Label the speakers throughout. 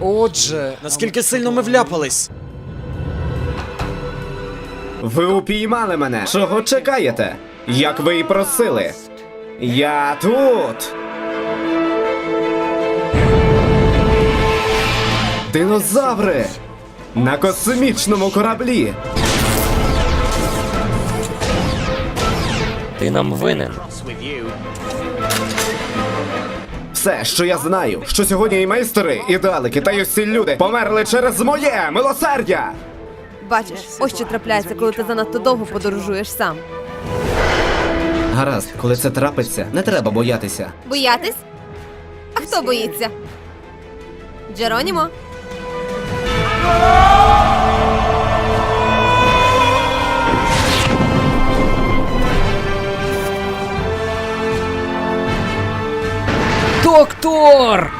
Speaker 1: Отже, наскільки сильно ми вляпались?
Speaker 2: Ви упіймали мене. Чого чекаєте? Як ви і просили. Я тут. Динозаври! На космічному кораблі!
Speaker 3: Ти нам винен.
Speaker 2: Все, що я знаю, що сьогодні і майстери, і далеки, та й усі люди померли через моє милосердя!
Speaker 4: Бачиш, ось що трапляється, коли ти занадто довго подорожуєш сам.
Speaker 2: Гаразд, коли це трапиться, не треба боятися.
Speaker 4: Боятись? А хто боїться? Джеронімо?
Speaker 3: Доктор!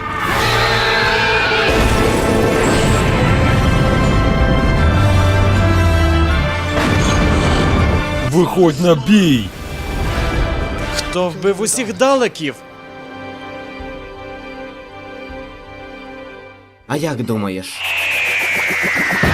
Speaker 5: Виходь на бій!
Speaker 1: Хто вбив усіх далеків?
Speaker 2: А як думаєш?